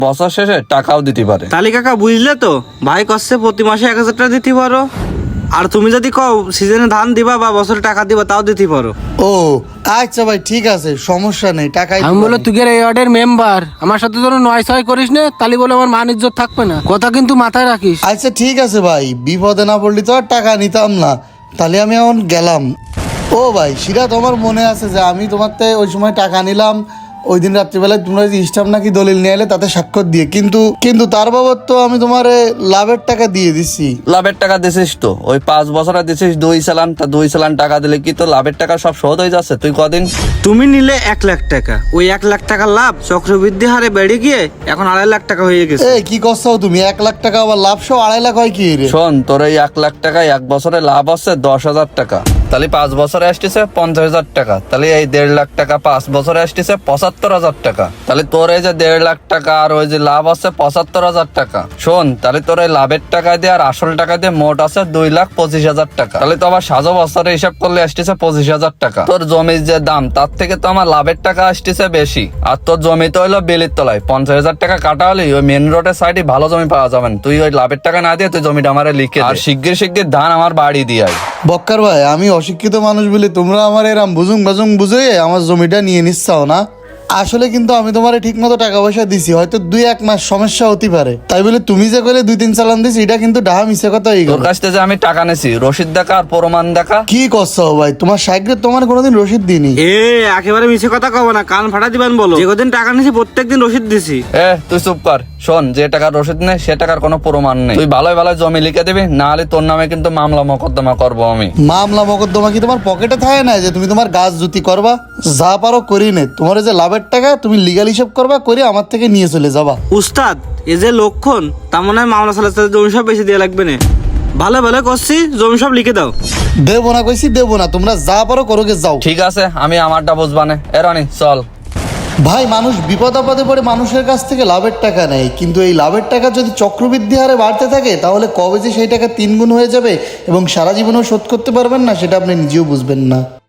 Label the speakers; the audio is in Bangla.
Speaker 1: বছর শেষে টাকাও দিতে পারে।
Speaker 2: তাহলে কাকা বুঝলে তো, ভাই কষ্টে প্রতি মাসে 1000 টাকা দিতে পারো, আর তুমি যদি কও সিজনে ধান দিবা বা বছরে টাকা দিবা তাও দিতে পারো।
Speaker 3: ও আচ্ছা ভাই, ঠিক আছে, সমস্যা নেই, টাকাই
Speaker 4: আমি
Speaker 3: দিতে
Speaker 4: বলে
Speaker 3: পারি।
Speaker 4: তুই এই ওয়ার্ডের মেম্বার, আমার সাথে যেন নয় ছয় করিস না, তাহলে বলে আমার মান ইজ্জত থাকবে না, কথা কিন্তু মাথায় রাখিস।
Speaker 3: আচ্ছা ঠিক আছে ভাই, বিপদে না পড়লি তো আর টাকা নিতাম না, তাহলে আমি এখন গেলাম। ও ভাই সিরাত, তোমার মনে আছে যে আমি তোমার থেকে ওই সময় টাকা নিলাম, ওই দিন রাত্রিবেলায় তোমরা যে স্টাম্প নাকি দলিল নিয়ে এলে তাতে স্বাক্ষর দিয়ে, কিন্তু তার বাবদ তো আমি তোমার লাভের টাকা দিয়ে দিছি।
Speaker 1: লাভের টাকা দিছিস তো, ওই 5 বছরে দিছিস 2 চালান, তা 2 চালান টাকা দিলে কি তো লাভের টাকা সব শোধ হয়ে যাচ্ছে? তুই কদিন
Speaker 2: তুমি নিলে 1 লাখ টাকা, ওই 1 লাখ টাকার লাভ চক্রবৃদ্ধি হারে বেড়ে গিয়ে এখন 2.5 লাখ টাকা হয়ে গেছে।
Speaker 3: এ কি করছো তুমি? 1 লাখ টাকা আবার লাভ সহ 2.5 লাখ হয় কি রে?
Speaker 1: শোন, তোর এই 1 লাখ টাকায় 1 বছরে লাভ হচ্ছে 10,000 টাকা, তাহলে 5 বছরে আসতেছে 50,000 টাকা, তাহলে এই 1.5 লাখ টাকা 5 বছরে আসতেছে 75,000 টাকা, তাহলে তোর এই যে 1.5 লাখ টাকা আর ওই যে লাভ আছে 75,000 টাকা। শোন, তাহলে তোর এই লাভের টাকা দিয়ে আর আসল টাকা দিয়ে মোট আছে 2,25,000 টাকা, তাহলে তো আবার সাজো বছরে হিসাব করলে আসতেছে 25,000 টাকা। তোর জমির যে দাম তার থেকে তো আমার লাভের টাকা আসতেছে বেশি, আর তোর জমি তো হইলো বেলির তলায়, 50,000 টাকা কাটা হলে ওই মেন রোডের সাইডে ভালো জমি পাওয়া যাবে না। তুই ওই লাভের টাকা না দিয়ে তুই জমিটা আমারে লিখে দে, আর শিগগির ধান আমার বাড়ি দিয়ে আয়।
Speaker 3: বক্কার ভাই, আমি অশিক্ষিত মানুষ বলে তোমরা আমার এরম বুঝুং বুঝে আমার জমিটা নিয়ে নিচ্ছাও না। আসলে কিন্তু আমি তোমার ঠিক মতো টাকা পয়সা দিছি, হয়তো 2-1 মাস সমস্যা হতে পারে, তাই বলে তুমি যে কইলে 2-3 চালান দিছি, এটা কিন্তু ডাহা মিছে কথা হয়ে
Speaker 1: তোর
Speaker 3: গেল।
Speaker 1: কাছ থেকে যে আমি টাকা নেছি, রসিদ দেখা আর প্রমাণ দেখা।
Speaker 3: কি করছো ভাই? তোমার সাইকেল তোমার কোনোদিন রসিদ দিইনি।
Speaker 2: এ একেবারে মিছে কথা কব না, কান ফাটা দিবেন বলো। যে কদিন টাকা নিছি প্রত্যেকদিন রসিদ দিছি।
Speaker 1: তুই চুপ কর। শোন, যে টাকার রসিদ নেই সে টাকার কোনো প্রমাণ নেই, তুই ভালোই ভালো জমি লিখে দিবি, না হলে তোর নামে কিন্তু মামলা মোকদ্দমা করবো আমি।
Speaker 3: মামলা মোকদ্দমা কি তোমার পকেটে থাকে না যে তুমি তোমার গাছ জুতি করবা? যা পারো করি নে, তোমার এই যে লাভের টাকা তুমি লিগাল হিসাব করবা, করে আমার থেকে নিয়ে চলে যাবা।
Speaker 2: উস্তাদ, এ যে লক্ষণ, তা মনে হয় মামলা চালাতে জমি সব বেশি দিয়ে লাগবে না। ভালো ভালো করছি, জমি সব লিখে দাও।
Speaker 3: দেবো না কইছি, দেবো না, তোমরা যা পারো করোগে যাও।
Speaker 1: ঠিক আছে, আমি আমারটা বুঝবানে। রানি চল।
Speaker 3: ভাই, মানুষ বিপদ আপদে পড়ে মানুষের কাছ থেকে লাভের টাকা নেয়, কিন্তু এই লাভের টাকা যদি চক্রবৃদ্ধি হারে বাড়তে থাকে তাহলে কবে যে সেই টাকা 3 গুণ হয়ে যাবে এবং সারা জীবনেও শোধ করতে পারবেন না, সেটা আপনি নিজেও বুঝবেন না।